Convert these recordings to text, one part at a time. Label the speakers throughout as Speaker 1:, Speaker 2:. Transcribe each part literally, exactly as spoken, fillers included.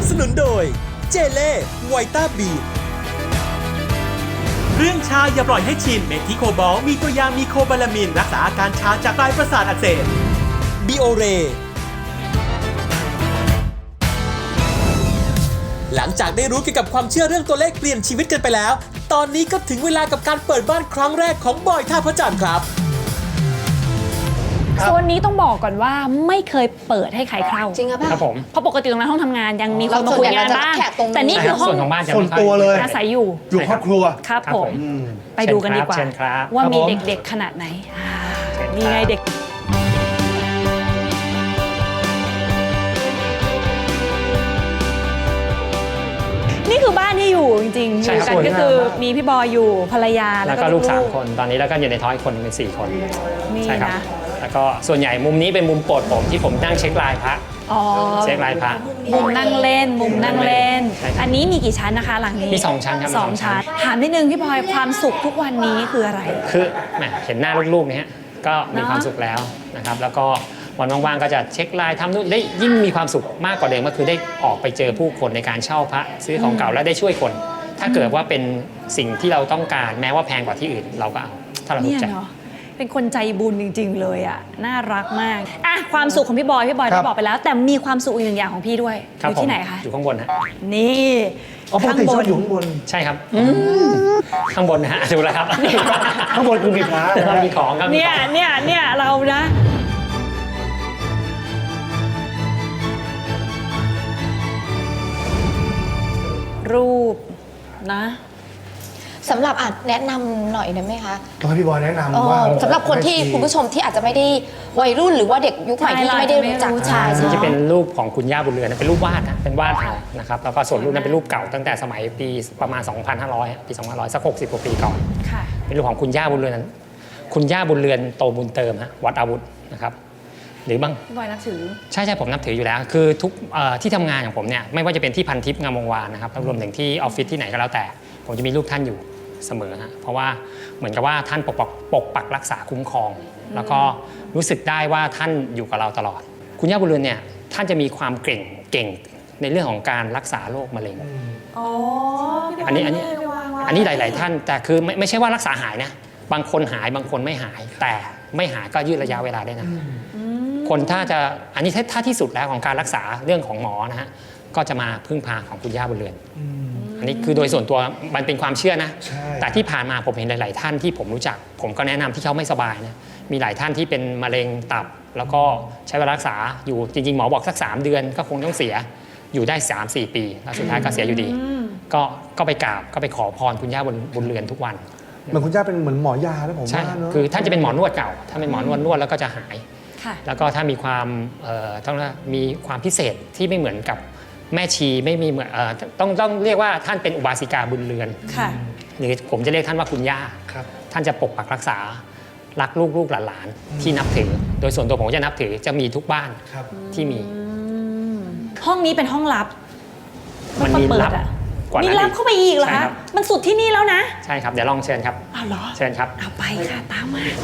Speaker 1: บสนุนโดยเจเล่ไวต้าบีเรื่องชาอย่าปล่อยให้ชินเมทิโคบอลมีตัวยามีโคบาลามินรักษาอาการชาจากปลายประสาทอักเสบบิโอเรหลังจากได้รู้เกี่ยวกับความเชื่อเรื่องตัวเลขเปลี่ยนชีวิตกันไปแล้วตอนนี้ก็ถึงเวลากับการเปิดบ้านครั้งแรกของบอยท่าพระจันทร์ครับ
Speaker 2: โซนนี้ต้องบอกก่อนว่าไม่เคยเปิดให้ใครเข้า
Speaker 3: จริงครับ
Speaker 4: ผม
Speaker 2: เพราะปกติตรงนั้นห้องทำงานยังมีคนมาคุยงานบ้างแต่นี่คือห้อง
Speaker 4: ส่วนของบ้านจะ
Speaker 5: ส่วนตัวเลย
Speaker 2: อาศัยอยู่
Speaker 5: อยู่ครอบครัว
Speaker 2: ครับผมไปดูกันดีกว่าว่ามีเด็กๆขนาดไหนมีไงเด็กนี่คือบ้านที่อยู่จริงๆอยู่กันก็คือมีพี่บอยอยู่ภรรยา
Speaker 4: แล้วก็ลูกสามคนตอนนี้แล้วก็อยู่ในท้องอีกคนเป็นสี่คน
Speaker 2: นี่นะ
Speaker 4: แล้วก็ส่วนใหญ่มุมนี้เป็นมุมโปรดผมที่ผมนั่งเช็คลายพระเช็คลายพระ
Speaker 2: มุมนั่งเล่นมุมนั่งเล่นอันนี้มีกี่ชั้นนะคะหลังนี้
Speaker 4: มีสองชั้นครับ
Speaker 2: สองชั้นถามนิดนึงพี่บอยความสุขทุกวันนี้คืออะไร
Speaker 4: คือแหมเห็นหน้าลูกๆเนี่ยก็มีความสุขแล้วนะครับแล้วก็วันว่างๆก็จะเช็คลายทำนู่นได้ยิ่งมีความสุขมากกว่าเดิมก็คือได้ออกไปเจอผู้คนในการเช่าพระซื้อของเก่าและได้ช่วยคนถ้าเกิดว่าเป็นสิ่งที่เราต้องการแม้ว่าแพงกว่าที่อื่นเราก็เอาถ้าเราถูกใจ
Speaker 2: เป็นคนใจบุญจริงๆเลยอ่ะน่ารักมากอ่ะความสุขของพี่บอยพี่บอยได้บอกไปแล้วแต่มีความสุขอีกหนึ่งอย่างของพี่ด้วยอยู่ที่ไหนคะ
Speaker 4: อยู่ข้างบนฮะ
Speaker 2: นี่
Speaker 5: ข้างบนอยู่ข้างบน
Speaker 4: ใช่ครับข้างบนนะฮะดูแล้วครับ
Speaker 5: ข้างบนคือมีพระ
Speaker 4: เรามีของครับ
Speaker 2: เนี่ยเนี่ยเนี่ยเรานะรูปนะ
Speaker 3: สำหรับอาจแนะนำหน่อยได้ไหมคะ
Speaker 5: ต้องให้พี่บอยแนะนำว่า
Speaker 3: สำหรับคนที่คุณผู้ชมที่อาจจะไม่ได้วัยรุ่นหรือว่าเด็กยุคใหม่ที่ไม่ได้รู้จัก
Speaker 4: ใช่ที่เป็นรูปของคุณย่าบุญเรือนเป็นรูปวาดนะเป็นวาดเอานะครับแล้วก็ส่วนรูปนั้นเป็นรูปเก่าตั้งแต่สมัยปีประมาณ สองพันห้าร้อย ปีสองพันห้าร้อยสักหกสิบกว่าปีก่อนเป็นรูปของคุณย่าบุญเรือนคุณย่าบุญเรือนโตบุญเติมฮะวัดอาวุธนะครับหรือบาง
Speaker 2: บอยนับถือ
Speaker 4: ใช่ใช่ผมนับถืออยู่แล้วคือทุกที่ทำงานของผมเนี่ยไม่ว่าจะเป็นที่พันทิพย์งามวงวานนะครับรวมถึงที่ออฟฟิศที่ไหนก็แล้วแต่ผมจะมีรูปท่านอยู่เสมอฮะเพราะว่าเหมือนกับว่าท่านปกปักปกปักรักษาคุ้มครองแล้วก็รู้สึกได้ว่าท่านอยู่กับเราตลอดคุณย่าบุญเรือนเนี่ยท่านจะมีความเก่งเก่งในเรื่องของการรักษาโรคมะเร็ง
Speaker 2: อ๋อ
Speaker 4: อันนี้อันนี้อันนี้หลายๆท่านแต่คือไม่ไม่ใช่ว่ารักษาหายนะบางคนหายบางคนไม่หายแต่ไม่หายก็ยืดระยะเวลาได้นะคนถ้าจะอันนี้ถ้าที่สุดแล้วของการรักษาเรื่องของหมอนะฮะก็จะมาพึ่งพาของคุณย่าบุญเรือนอันนี้คือโดยส่วนตัวมันเป็นความเชื่อนะแต่ที่ผ่านมาผมเห็นหลายๆท่านที่ผมรู้จักผมก็แนะนำที่เขาไม่สบายนะมีหลายท่านที่เป็นมะเร็งตับแล้วก็ใช้เวลารักษาอยู่จริงๆหมอบอกสักสามเดือนก็คงต้องเสียอยู่ได้ สามสี่ ปีแล้วสุดท้ายก็เสียอยู่ดีก็ก็ไปกราบก็ไปขอพรคุณย่าบุญเรือนทุกวัน
Speaker 5: เหมือนคุณย่าเป็นเหมือนหมอยาแล้วผมว่าเนอะ
Speaker 4: คือท่านจะเป็นหมอนวดเก่าถ้าเป็นหมอนวดนวดแล้วก็จะหายแล้วก็ถ้ามีความต้องมีความพิเศษที่ไม่เหมือนกับแม่ชีไม่มีเหมือนต้องต้องเรียกว่าท่านเป็นอุบาสิกาบุญเรือนหรือผมจะเรียกท่านว่าคุณย่าท่านจะปกปักรักษารักลูกลูกหลานๆที่นับถือโดยส่วนตัวผมจะนับถือจะมีทุกบ้านที่มี
Speaker 2: ห้องนี้เป็นห้องลับ
Speaker 4: มันมีลับ
Speaker 2: มีลับเข้าไปอีกเหรอคะมันสุดที่นี่แล้วนะ
Speaker 4: ใช่ครับเดี๋ยวลองเชิญครับ
Speaker 2: อ้าวเหรอ
Speaker 4: เชิญครับ
Speaker 2: เอาไปค่ะตามมา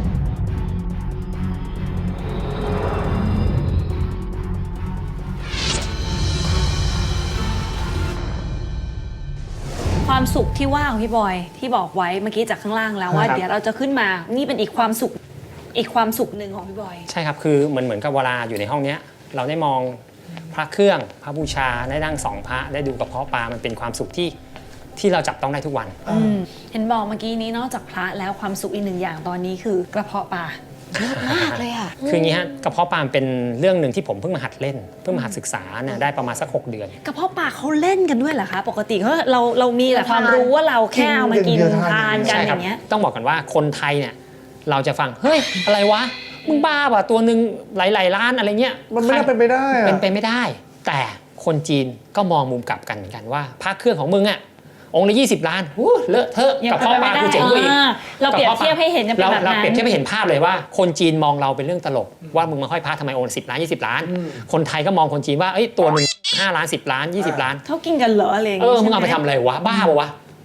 Speaker 2: ความสุขที่ว่าของพี่บอยที่บอกไว้เมื่อกี้จากข้างล่างแล้วว่าเดี๋ยวเราจะขึ้นมานี่เป็นอีกความสุขอีกความสุขหนึ่งของพี่บอย
Speaker 4: ใช่ครับคือเหมือนเหมือนกับเวลาอยู่ในห้องนี้เราได้มองพระเครื่องพระบูชาได้นั่งสองพระได้ดูกระเพาะปลามันเป็นความสุขที่ที่เราจับต้องได้ทุกวัน
Speaker 2: เห็นบอกเมื่อกี้นี้นอกจากพระแล้วความสุขอีกหนึ่งอย่างตอนนี้คือกระเพาะปลา
Speaker 3: เยอะมากเลยอ่ะ
Speaker 4: คืออย่างนี้ฮะกระเพาะปลาเป็นเรื่องหนึ่งที่ผมเพิ่งมาหัดเล่นเพิ่งมาหัดศึกษาเนี่ยได้ประมาณสักหกเดือน
Speaker 2: กระเพาะปลาเขาเล่นกันด้วยเหรอคะปกติเขาเราเรามีแต่ความรู้ว่าเราแค่เอามากินทานกันอย่างเงี้ย
Speaker 4: ต้องบอกกันว่าคนไทยเนี่ยเราจะฟังเฮ้ยอะไรวะมึงบ้าป่ะตัวหนึ่งหลายๆล้านอะไรเงี้ย
Speaker 5: มันไม่ได้เป็นไปได้
Speaker 4: เป็นไปไม่ได้แต่คนจีนก็มองมุมกลับกันเหมือนกันว่าพระเครื่องของมึงอ่ะองค์ละยี่สิบล้านเลอะเทอะกับพ่อปลากูเจ๋งกว่าอีก
Speaker 2: เราเปรียบเทียบให้เห็น
Speaker 4: เราเราเปรียบเทียบให้เห็นภาพเลยว่าคนจีนมองเราเป็นเรื่องตลกว่ามึงมาห้อยพระทำไมองค์สิบล้านยี่สิบล้านคนไทยก็มองคนจีนว่าเอ้ยตัวนึงห้าล้านสิบล้านยี่สิบล้าน
Speaker 2: เขากินกันเหรออะไร
Speaker 4: เออมึงเอาไปทำอะไรวะบ้าปะวะ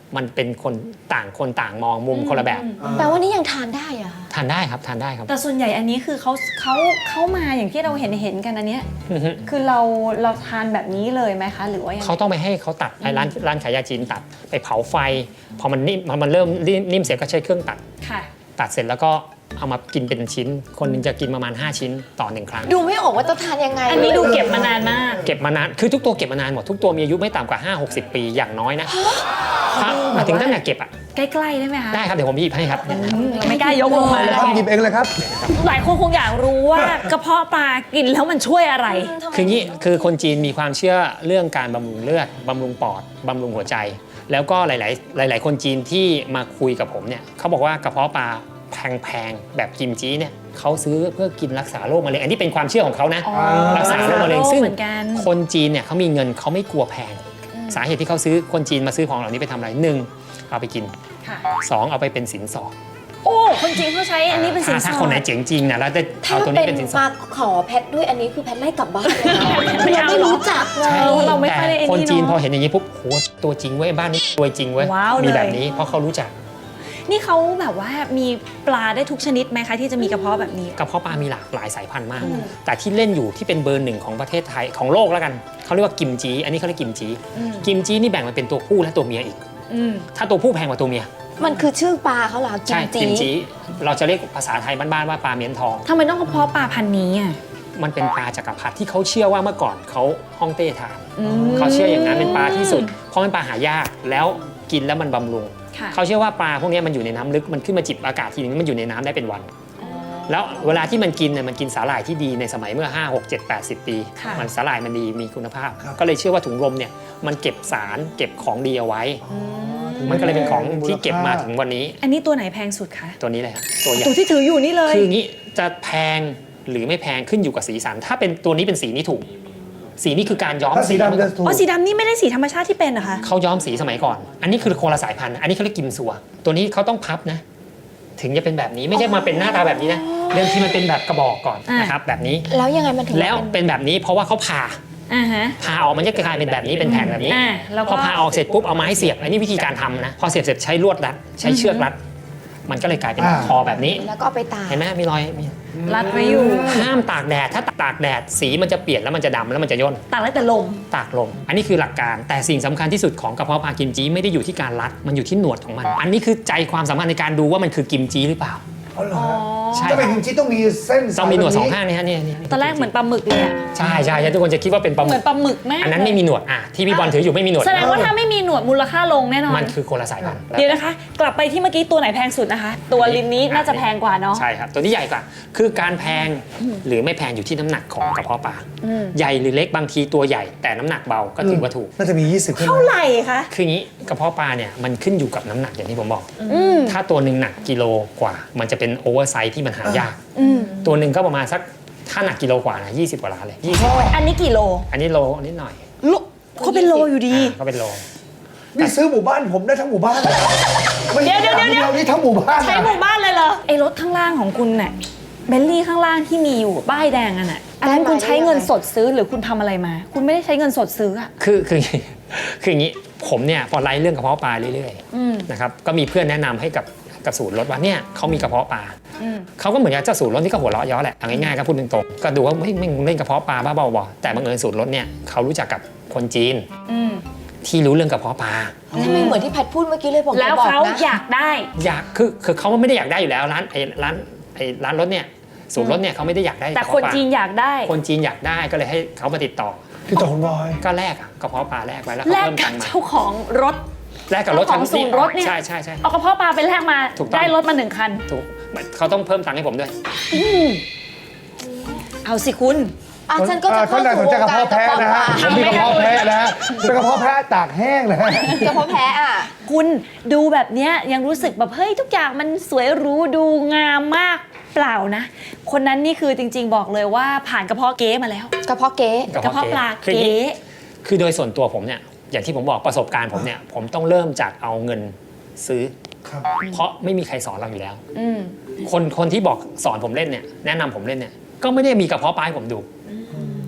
Speaker 4: มันเป็นคนต่างคนต่างมองมุมคนละแบบ
Speaker 3: แปลว่านี่ยังทานได้เหรอะ
Speaker 4: ทานได้ครับทานได้ครับ
Speaker 2: แต่ส่วนใหญ่อันนี้คือเขาเขาเขามาอย่างที่เราเห็นเห็นกันอันเนี้ย
Speaker 4: อือฮึ
Speaker 2: คือเราเราทานแบบนี้เลยไหมคะ หรือว่ายังไง
Speaker 4: เขาต้องไปให้เขาตัดไอ้ร้านร้านขายยาจีนตัดไปเผาไฟ พอมันนิ่มพอมันเริ่มนิ่มเสร็จก็ใช้เครื่องตัด
Speaker 2: ค่ะ
Speaker 4: ตัดเสร็จแล้วก็เอามากินเป็นชิ้น คนหนึงจะกินประมาณห้าชิ้นต่อหนึ่งครั้ง
Speaker 3: ดูไม่ออกว่าจะทานยังไง
Speaker 2: อันนี้ดูเก็บมานานมาก
Speaker 4: เก็บมานานคือทุกตัวเก็บมานานหมดทุกตัวมีอายุไม่ต่ำกว่า ห้าหกสิบ ปีอย่างน้อยนะถ้ามาถึงตั้งแต่เก็บอ่ะ
Speaker 2: ใกล้ๆได้ไหมคะ
Speaker 4: ได้ครับเดี๋ยวผมหยิบให้ครับ
Speaker 2: อืมเราไม่กล้ายกลงมา
Speaker 5: ครับหยิบเองเลยครับ
Speaker 2: หลายคนคงอยากรู้ว่ากระเพาะปลากินแล้วมันช่วยอะไร
Speaker 4: คืองี้คือคนจีนมีความเชื่อเรื่องการบำรุงเลือดบำรุงปอดบำรุงหัวใจ แล้วก็หลาย ๆ หลาย ๆ คนจีนที่มาคุยกับผมเนี่ยเขาบอกว่ากระเพาะปลาแพง ๆ แบบกิมจิเนี่ยเขาซื้อเพื่อกินรักษาโรคมะเร็งอันนี้เป็นความเชื่อของเขานะ
Speaker 2: อ๋อ
Speaker 4: รักษาโรคมะเร็งซึ่ง
Speaker 2: เหมือนกัน
Speaker 4: คนจีนเนี่ยเขามีเงินเขาไม่กลัวแพง สาเหตุที่เขาซื้อคนจีนมาซื้อของเหล่านี้ไปทำอะไรหนึ่งเอาไปกิน
Speaker 2: ค่ะ
Speaker 4: สองเอาไปเป็นสินสอด
Speaker 2: โอ้คนจริงเขาใช้อันนี้เป็นสิน
Speaker 4: ถ้า
Speaker 2: ส
Speaker 4: ถ้า
Speaker 2: อ
Speaker 4: คนไหน
Speaker 2: ด
Speaker 4: เจ๋งจริงนะแล้วจะ
Speaker 3: ถ้า
Speaker 4: เอาตัว
Speaker 3: เป็
Speaker 4: นี้
Speaker 3: น
Speaker 4: เป็นสินสอ
Speaker 3: มา
Speaker 4: ด
Speaker 3: ขอแพทด้วยอันนี้คือแพทไล่กลับบ้านเลยนะ
Speaker 2: ไม่เอา
Speaker 3: ไม่รู้จักเล
Speaker 4: ใช่
Speaker 3: ย
Speaker 2: เราไม่ค่อยได้ไอ้นี่
Speaker 4: คนจีน
Speaker 2: เนอะ
Speaker 4: พอเห็นอย่างนี้ปุ๊บโหตัวจริงเว้ยบ้านนี้รวยจริงเว้ย
Speaker 2: ว้าว
Speaker 4: มี
Speaker 2: เลย
Speaker 4: แบบนี้เพราะเขารู้จัก
Speaker 2: นี่เขาแบบว่ามีปลาได้ทุกชนิดไหมคะที่จะมีกระเพาะแบบนี้
Speaker 4: กระเพาะปลามีหลากหลายสายพันธุ์มาก แต่ที่เล่นอยู่ที่เป็นเบอร์หนึ่งของประเทศไทยของโลกแล้วกันเขาเรียกว่ากิมจีอันนี้เขาเรียกกิมจี
Speaker 2: อืม
Speaker 4: กิมจีนี่แบ่งมาเป็นตัวผู้และตัวเมียอีก
Speaker 2: อืม
Speaker 4: ถ้าตัวผู้แพงกว่าตัวเมีย
Speaker 3: มันคือชื่อปลาเขาเหรอกิ
Speaker 4: ใช่
Speaker 3: มจี
Speaker 4: กิมจีเราจะเรียกภาษาไทยบ้านๆว่าปลาเมียนทอง
Speaker 2: ทำไมต้องกระเพาะปลาพันธุ์นี้อ่ะ
Speaker 4: มันเป็นปลาจักรพรรดิที่เขาเชื่อว่าเมื่อก่อนเขาฮ่องเต้ทาน
Speaker 2: อืม
Speaker 4: เขาเชื่ออย่างนั้นเป็นปลาที่สุด เพราะมันปลาหายากแล้วกินแล้วมันบำรุง
Speaker 2: ค่ะ
Speaker 4: เขาเชื่อว่าปลาพวกนี้มันอยู่ในน้ำลึกมันขึ้นมาจิบอากาศทีนึงมันอยู่ในน้ำได้เป็นวัน แล้วเวลาที่มันกินเนี่ยมันกินสาหร่ายที่ดีในสมัยเมื่อ ห้า หก เจ็ด แปด สิบ ปี
Speaker 2: ค่ะ
Speaker 4: มันสาหร่ายมันดีมีคุณภาพ
Speaker 5: ครับ
Speaker 4: ก็เลยเชื่อว่าถุงลมเนี่ยมันเก็บสารเก็บของดีเอาไว้ มันก็เลยเป็นของที่เก็บมาถึงวันนี้
Speaker 2: อันนี้ตัวไหนแพงสุดคะ
Speaker 4: ตัวนี้เลยครับตัวใหญ่
Speaker 2: ตัวที่ถืออยู่นี่เลย
Speaker 4: คืออย่างนี้จะแพงหรือไม่แพงขึ้นอยู่กับสีสัน ถ้าเป็นตัวนี้เป็นสีนี้ถูก สีนี้คือการย้อม
Speaker 5: ถ้าสีดำจะถูก
Speaker 2: อ๋อสีดำนี่ไม่ได้สีธรรมชาติที่เป็นเหรอคะ
Speaker 4: เขาย้อมสีสมัยก่อน อันนี้คือคนละสายพันธุ์ อันนี้เขาเรียกกิมซัว ตัวนี้เขาต้องพับนะ ถึงจะเป็นแบบนี้ ไม่ใช่มาเป็นหน้าตาแบบนี้นะ เดิมทีมันเป็นแบบกระบอกก่อนนะครับ แบบนี้
Speaker 3: แล้วยังไงมันถึง
Speaker 4: แล้ว
Speaker 3: เป็น
Speaker 4: เป็นแบบนี้เพราะว่าเขาผ่า
Speaker 2: อ่าฮะ
Speaker 4: ผ่าออกมันจะกลายเป็นแบบนี้ เป็นแผ่นแบบนี้
Speaker 2: อ่าแล้วก็
Speaker 4: พอผ่าออกเสร็จปุ๊บ เอาไม้เสียบ อันนี้วิธีการทำนะ พอเสียบเสร็จใช้ลวดรัด ใช้เชือกรัด มันก็เลยกลายเป็น
Speaker 5: อ่า
Speaker 4: คอแบบนี้
Speaker 3: แล้วก็เอาไปตาก
Speaker 4: เห็นไหมมีรอยมี
Speaker 2: รัดไว้อยู่
Speaker 4: ห้ามตากแดด ถ้าตากแดดสีมันจะเปลี่ยนแล้วมันจะดำแล้วมันจะย่น
Speaker 2: ตากไว้แต่ลม
Speaker 4: ตากลม อันนี้คือหลักการ แต่สิ่งสำคัญที่สุดของกระเพาะปลากิมจิไม่ได้อยู่ที่การรัด มันอยู่ที่หนวดของมัน อันนี้คือใจความสำคัญในการดูว่ามันคือกิมจิหรือเปล่า
Speaker 5: อ๋อเหรอฮะ
Speaker 4: ใช่
Speaker 5: จะเป็นกิมจิต้องมีเส้น
Speaker 4: ต้องมีหนวดสอง
Speaker 5: แบบ
Speaker 4: ข้างนี่ฮะเนี่ย
Speaker 2: ตอนแรกเหมือนปลาหมึกเลยอะ
Speaker 4: ใช่ใช่ใช่ทุกคนจะคิดว่าเป็นปลาห
Speaker 2: เห
Speaker 4: มึ
Speaker 2: มือก นปลาหมึกมาก
Speaker 4: อันนั้นไม่มีหนวด อ่ะ ที่พี่บอลถืออยู่ไม่มีหนวด
Speaker 2: แสดงว่าถ้าไม่มีหนวดมูลค่าลงแน่นอน
Speaker 4: มันคือคนละสายพันธุ์
Speaker 2: เดี๋ยวนะคะ กลับไปที่เมื่อกี้ตัวไหนแพงสุดนะคะ ตัวลินนี้น่าจะแพงกว่าเนาะ
Speaker 4: ใช่ครับ ตัวนี้ใหญ่กว่า คือการแพงหรือไม่แพงอยู่ที่น้ำหนักของกระเพาะปลา
Speaker 2: อืม
Speaker 4: ใหญ่หรือเล็กบางทีตัวใหญ่แต่น้ำหนักเบาก็ถือว่าถูก
Speaker 5: น่าจะมี ยี่สิบขึ้น
Speaker 2: เท่าไหร่คะ
Speaker 4: คืออย่างนี้กระเพาะปลาเนี่ยมันขึ้นอยู่กับน้ำหนักอย่างที่ผมบอก
Speaker 2: อืม
Speaker 4: ถ้าตัวหนึ่งหนักกิโลกว่า มันจะเป็นโอเวอร์ไซส์ที่มันหายาก
Speaker 2: อืม
Speaker 4: ตัวหนึ่งก็ประมาณสักถ้าหนักกิโลกว่านะยี่สิบกว่าล้านเลยยี่สิบ
Speaker 2: อันนี้กี่โล
Speaker 4: อันนี้โลนิดหน่อย
Speaker 2: โลเขาเป็นโลอยู่ดี
Speaker 4: อ่าก็เป็นโล
Speaker 5: นี่ซื้อหมู่บ้านผมได้ทั้งหมู่บ้านไม่
Speaker 2: เดี๋
Speaker 5: ใช่
Speaker 2: ยวเดี๋ยวเดี๋ยว
Speaker 5: เดียวนี่ทั้งหมู่บ้าน
Speaker 2: ใช้
Speaker 5: นะ
Speaker 2: หมู่บ้านเลยเหรอ ไอ้รถข้างล่างของคุณเนี่ยเบลลี่ข้างล่างที่มีอยู่ป้ายแดงอันน่ะอันนั้นคุณใช้เงินสดซื้อหรือคุณทำอะไรมา คุณไม่ได้ใช้เงินสดซื้ออะ
Speaker 4: คือคือคืออย่างนี้ผมเนี่ยพอไล่เรื่องกระเพาะปลาเรื่อย
Speaker 2: อืม
Speaker 4: ๆนะครับก็มีเพื่อนแนะนำให้กับกับศูนย์รถว่าเนี่ยเขามีกระเพาะปลา
Speaker 2: อืม
Speaker 4: เขาก็เหมือนกับเจ้าศูนย์รถที่ก็หัวเราะเย้อแหละเอาง่ายๆก็พูดตรงๆก็ดูว่าไม่ไม่เล่นกระเพาะปลาบ้าบอๆแต่บังเอิญศูนย์รถเนี่ยเขารู้จักกับคนจีน
Speaker 2: อืม
Speaker 4: ที่รู้เรื่องกระเพาะปลา
Speaker 3: ทำไมเหมือนที่แพทพูดเมื่อกี้เลยผม
Speaker 2: แล้ว
Speaker 3: จะบอก
Speaker 2: เขา
Speaker 3: นะ
Speaker 2: อยากได้
Speaker 4: อยากคือคือเขาไม่ได้อยากได้อยู่แล้วร้านไอ้ร้านไอ้ร้านรถเนี่ยศูนย์รถเนี่ยเขาไม่ได้อยากได้
Speaker 2: แต่
Speaker 4: กระ
Speaker 2: คน
Speaker 4: เพาะปลา
Speaker 2: จีนอยากได้
Speaker 4: คนจีนอยากได้ก็เลยให้เขามาติดต่อ
Speaker 5: พี่ต่อคุณบอย
Speaker 4: ก็แลกอะกระเพาะปลาแลกไว้แล้ว
Speaker 2: แล
Speaker 4: เขา
Speaker 2: ก
Speaker 4: เพิ่ม
Speaker 2: กั
Speaker 4: ตั
Speaker 2: บ
Speaker 4: งค์มา
Speaker 2: เจ้าของรถ
Speaker 4: แลกกับรถ
Speaker 2: เจ้าของศูนย์รถเนี่ย
Speaker 4: ใช่ใช่ใช่
Speaker 2: เอากระเพาะปลาไปแลกมา
Speaker 4: ถูกต้อง
Speaker 2: ได้รถมาหนึ่งคัน
Speaker 4: ถูกเขาต้องเพิ่มตังค์ให้ผมด้วย
Speaker 2: เอาสิคุณ
Speaker 3: อ่ะฉันก็จะ
Speaker 5: อ่า
Speaker 3: เข้า
Speaker 5: ท่านใดสน
Speaker 3: สู่
Speaker 5: ใจ
Speaker 3: วง
Speaker 5: กระ
Speaker 3: การ
Speaker 5: เพาะ
Speaker 3: กระ
Speaker 5: แพะ
Speaker 3: เพาะ
Speaker 5: นะ
Speaker 3: ป
Speaker 5: ฮะ
Speaker 3: ลา
Speaker 5: ผมมีกระเพาะแพะนะฮะเป็นกระเพาะแพะตากแห้งนะฮะ
Speaker 3: กระเพาะแพะอ่ะ
Speaker 2: คุณดูแบบเนี้ยยังรู้สึกแบบเฮ้ยทุกอย่างมันสวยหรูดูงามมากเปล่านะ คนนั้นนี่คือจริง ๆ บอกเลยว่าผ่านกระเพาะเก๊มาแล้ว
Speaker 3: กระเพาะเก๊
Speaker 2: กระเพาะปลา
Speaker 4: คืออย่าง
Speaker 2: เก๊
Speaker 4: นี้คือโดยส่วนตัวผมเนี่ยอย่างที่ผมบอกประสบการณ์ผมเนี่ยผมต้องเริ่มจากเอาเงินซื้อ
Speaker 5: ครับ
Speaker 4: เพราะไม่มีใครสอนเราอยู่แล้ว
Speaker 2: อืม
Speaker 4: คนคนที่บอกสอนผมเล่นเนี่ยแนะนำผมเล่นเนี่ยก็ไม่ได้มีกระเพาะปลาให้ผมดู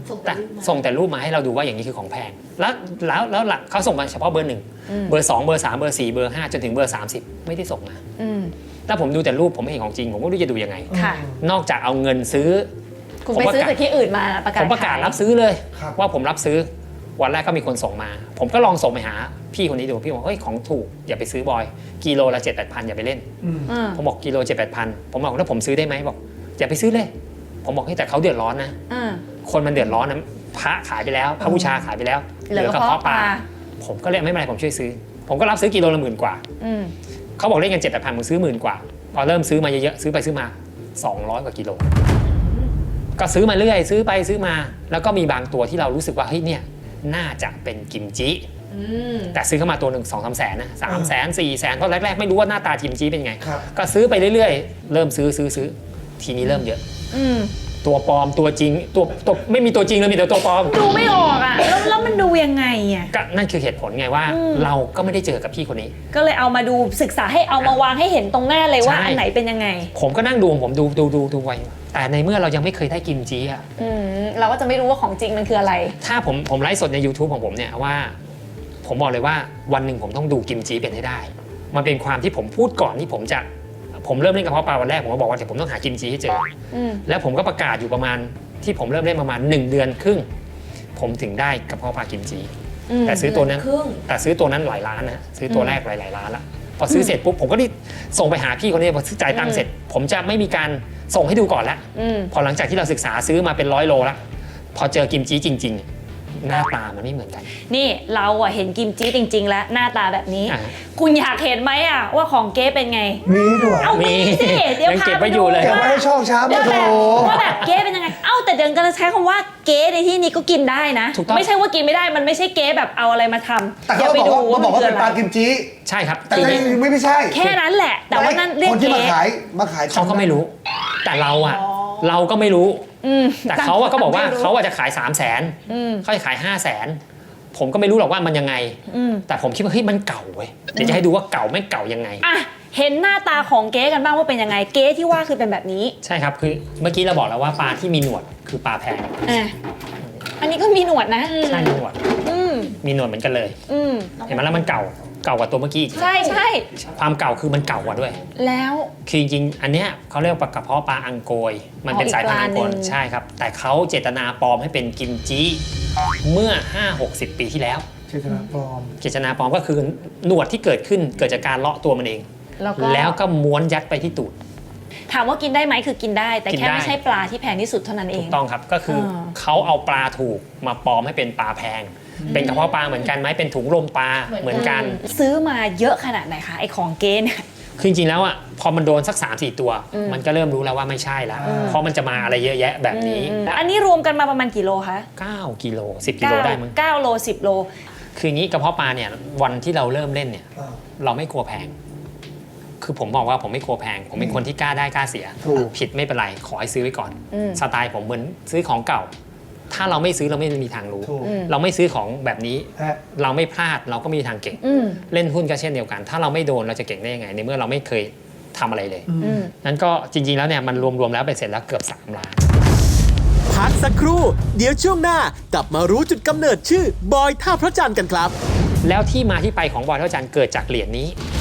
Speaker 4: แต่ส่งแต่รูปมาให้เราดูว่าอย่างนี้คือของแพงแล้วแล้วแล้วแล้วเขาส่งมาเฉพาะเบอร์หนึ่งเบอร์สองเบอร์สามเบอร์สี่เบอร์ห้าจนถึงเบอร์สามสิบไม่ได้ส่งมา
Speaker 2: อืม
Speaker 4: ถ้าผมดูแต่รูปผมไม่เห็นของจริงผมก็ไม่รู้จะดูยังไง
Speaker 2: ค่ะ
Speaker 4: นอกจากเอาเงินซื้อ
Speaker 2: คุณไปซื้อจากที่อื่นมาประกาศ
Speaker 4: ผมประกาศ
Speaker 2: ขย
Speaker 4: รับซื้อเลย
Speaker 5: ครับ
Speaker 4: ว่าผมรับซื้อวันแรกก็มีคนส่งมา ผมก็ลองส่งไปหาพี่คนนี้ดูพี่บอกเฮ้ยของถูกอย่าไปซื้อบอยกิโลละเจ็ดแปดพันอย่าไปเล่น
Speaker 5: อืม
Speaker 2: อืม
Speaker 4: ผมบอกกิโลเจ็ดแปดพันผมบอกแล้วผมซื้อได้ไหมบอกอย่าไปซื้อเลย ผมบอกให้ยแต่เขาเดือดร้อนนะ
Speaker 2: อืม
Speaker 4: คนมันเดือดร้อนนะพระขายไปแล้วพระบูชาขายไปแล้ว
Speaker 2: เหลือกระเพาะปลา
Speaker 4: ผมก็เลยไม่เป็นไรผมช่วยซื้อ ผมก็รับซื้อกิโลละหมื่นกว่า
Speaker 2: อืม
Speaker 4: เขาบอกเล่นกันเจ็ดแปดพันผมซื้อหมื่นกว่าพอเริ่มซื้อมาเยอะๆซื้อไปซื้อมาสองร้อยกว่ากิโลก็ซื้อมาเรื่อยซื้อไปซื้อมา แล้วก็มีบางตัวที่เรารู้สึกว่าเฮ้ยเนี่ยน่าจะเป็นกิมจิแต่ซื้อเข้ามาตัวหนึ่งสองสามแสนนะสามแสนสี่แสนเพราะแรกๆไม่รู้ว่าหน้าตากิมจิเป็นไง
Speaker 5: ครับ
Speaker 4: ก็ซื้อไปเรื่อยๆ เริ่มซื้อซื้อซื้อทีนี้เริ่มเยอะ
Speaker 2: อืม
Speaker 4: ตัวปลอมตัวจริงตัวตัวไม่มีตัวจริงเลยมีแต่ตัวปลอม
Speaker 2: ดูไม่ออกอ่ะแล้วแล้วมันดูยังไงอ่ะ
Speaker 4: ก็นั่นคือเหตุผลไงว่า
Speaker 2: อืม
Speaker 4: เราก็ไม่ได้เจอกับพี่คนนี้
Speaker 2: ก็เลยเอามาดูศึกษาให้เอามาวางให้เห็นตรงหน้าเลยว่า
Speaker 4: ใช่
Speaker 2: อันไหนเป็นยังไง
Speaker 4: ผมก็นั่งดูของผมดูดูดูดูไว้แต่ในเมื่อเรายังไม่เคยได้กิมจิอะ
Speaker 2: อืมเราก็จะไม่รู้ว่าของจริงมันคืออะไร
Speaker 4: ถ้าผมผมไลฟ์สดใน YouTube ของผมเนี่ยว่า ผมบอกเลยว่าวันหนึ่งผมต้องดูกิมจิเป็นให้ได้ มันเป็นความที่ผมพูดก่อนที่ผมจะผมเริ่มเล่นกระเพาะปลาวันแรกผมก็บอกว่าเดี๋ยวผมต้องหากิมจิให้เจอ
Speaker 2: อืม
Speaker 4: แล้วผมก็ประกาศอยู่ประมาณที่ผมเริ่มเล่นประมาณหนึ่งเดือนครึ่ง ผมถึงได้กระเพาะปลากิมจิ
Speaker 2: อืม
Speaker 4: แต่ซื้อตัวนั้น
Speaker 3: ครึ่ง
Speaker 4: แต่ซื้อตัวนั้นหลายล้านนะซื้อตัวแรกหลายๆล้านละพอซื้อเสร็จปุ๊บผมก็ได้ส่งไปหาพี่คนนี้พอซื้อจ่ายตังค์เสร็จ ผมจะไม่มีการส่งให้ดูก่อนละ
Speaker 2: อืม
Speaker 4: พอหลังจากที่เราศึกษาซื้อมาเป็นร้อยโลละพอเจอกิมจิจริง ๆ หน้าตามันไม่เหมือนกัน
Speaker 2: นี่เราอะเห็นกิมจิจริง ๆ แล้วหน้าตาแบบนี้
Speaker 4: อ่า
Speaker 2: คุณอยากเห็นไหมอะว่าของเก๊เป็นไง
Speaker 5: มีด้วย
Speaker 2: เอามีสิเดี๋ยว
Speaker 4: ยัง
Speaker 2: พา
Speaker 4: เก็บ
Speaker 2: ไป
Speaker 4: ไว้
Speaker 2: ดู
Speaker 4: อยู่เลย
Speaker 5: เก็บไว้ให้ช่องช้า
Speaker 2: ว่า
Speaker 5: มาโถ
Speaker 2: แบบว่าแบบเก๊เป็นยังไง เอ้าแต่เดินกันใช้คำว่าเก๊ในที่นี้ก็กินได้นะ
Speaker 4: ถูกต้อง
Speaker 2: ไม่ใช่ว่ากินไม่ได้มันไม่ใช่เก๊แบบเอาอะไรมาทำ
Speaker 5: แต่
Speaker 2: อย่า
Speaker 5: เขา
Speaker 2: ไป
Speaker 5: บอก
Speaker 2: ดู
Speaker 5: ว่า
Speaker 2: ว่า
Speaker 5: เขาบอกว่า
Speaker 2: คือ
Speaker 5: เป็น
Speaker 2: อะไร
Speaker 5: ปลากิมจิ
Speaker 4: ใช่ครับ
Speaker 5: แต่
Speaker 4: คือ
Speaker 5: ก็ยังไม่ไม่ใช่
Speaker 2: แค่นั้นแหละ แต่ว่านั่นเรียก
Speaker 5: คนที่
Speaker 2: เก๊
Speaker 5: มาขายมาขาย
Speaker 4: เขาก็ไม่รู้ แต่เราอะเราก็ไม่รู้
Speaker 2: อืม
Speaker 4: แต่เขาอะก็บอกว่า
Speaker 2: ไม่รู้
Speaker 4: เขาอะจะขาย3 0 0แสน
Speaker 2: อืม
Speaker 4: เขาจะขาย5 0 0แสนผมก็ไม่รู้หรอกว่ามันยังไง
Speaker 2: อืม
Speaker 4: แต่ผมคิดว่าเฮ้ยมันเก่าเว้ยเดี๋ยวจะให้ดูว่าเก่าไม่เก่ายังไง
Speaker 2: อ่ะเห็นหน้าตาของเก๊กันบ้างว่าเป็นยังไง เก๊ที่ว่าคือเป็นแบบนี้
Speaker 4: ใช่ครับคือเมื่อกี้เราบอกแล้วว่าปลาที่มีหนวดคือปลาแพง
Speaker 2: อ่ะอันนี้ก็มีหนวดนะ
Speaker 4: ใช่มีหนวด
Speaker 2: อืม
Speaker 4: มีหนวดเหมือนกันเลย
Speaker 2: อืม
Speaker 4: เห็นไหมแล้วมันเก่าเก่ากว่าตัวเมื่อกี้อีก
Speaker 2: ใช่ใช่
Speaker 4: ความเก่าคือมันเก่ากว่าด้วย
Speaker 2: แล้ว
Speaker 4: คือจริงๆ อันเนี้ยเขาเรียกว่ากระเพาะปลาอังโกย มันเป็น
Speaker 2: อ๋ออีก
Speaker 4: สายพันธุ์อังโก
Speaker 2: ป
Speaker 4: ย
Speaker 2: ลาหนึ่ง
Speaker 4: ใช่ครับ แต่เขาเจตนาปลอมให้เป็นกิมจิเมื่อ ห้าหกสิบ ปีที่แล้ว
Speaker 5: เจตนาปลอม
Speaker 4: เจตนาปลอมก็คือหนวดที่เกิดขึ้นเกิดจากการเลาะตัวมันเอง
Speaker 2: แล้วก็
Speaker 4: แล้วก็ม้วนยัดไปที่ตูด
Speaker 2: ถามว่ากินได้ไหมคือกินได้ แต่
Speaker 4: กิน
Speaker 2: แค่
Speaker 4: ได้
Speaker 2: ไม่ใช่ปลาที่แพงที่สุดเท่านั้นเอ
Speaker 4: ถู
Speaker 2: ง
Speaker 4: กต้องครับ ก็คืออ
Speaker 2: อ
Speaker 4: เขาเอาปลาถูกมาปลอมให้เป็นปลาแพง เป็นกระเพาะปลาเหมือนกันไหมเป็นถุงลมปลาเหมือนกัน
Speaker 2: ซื้อมาเยอะขนาดไหนคะไอของเก๊เนี่ย
Speaker 4: คือจริงๆแล้วอ่ะพอมันโดนสัก สามสี่ ตัว มันก็เริ่มรู้แล้วว่าไม่ใช่แล้ว เพราะมันจะมาอะไรเยอะแยะแบบนี้
Speaker 2: อืมอันนี้รวมกันมาประมาณกี่โลคะ
Speaker 4: เก้ากิโลสิบกิโลได้มั้ง
Speaker 2: เก้าโลสิบโล
Speaker 4: คืออย่างนี้กระเพาะปลาเนี่ยวันที่เราเริ่มเล่นเนี่ย
Speaker 5: อ่า
Speaker 4: เราไม่กลัวแพง คือผมบอกว่าผมไม่กลัวแพง ผมเป็นคนที่กล้าได้กล้าเสีย
Speaker 5: ถูก
Speaker 4: ผิดไม่เป็นไรขอให้ซื้อไว้ก่อน
Speaker 2: อืม
Speaker 4: สไตล์ผมเหมือนซื้อของเก่า ถ้าเราไม่ซื้อเราไม่มีทางรู้
Speaker 5: ถูก
Speaker 4: เราไม่ซื้อของแบบนี้
Speaker 5: ฮะ
Speaker 4: เราไม่พลาดเราก็ไมมีทางเก่ง
Speaker 2: อืม
Speaker 4: เล่นหุ้นก็เช่นเดียวกัน ถ้าเราไม่โดนเราจะเก่งได้ยังไงในเมื่อเราไม่เคยทำอะไรเลย
Speaker 2: อืม
Speaker 4: นั้นก็จริงๆแล้วเนี่ยมันรวมๆแล้วไปเสร็จแล้วเกือบสามล้าน
Speaker 1: พักสักครู่ เดี๋ยวช่วงหน้ากลับมารู้จุดกำเนิดชื่อบอยท่าพระจันทร์กันครับ
Speaker 4: แล้วที่มาที่ไปของบอยเท่าจันทร์เกิดจากเหรียญนี้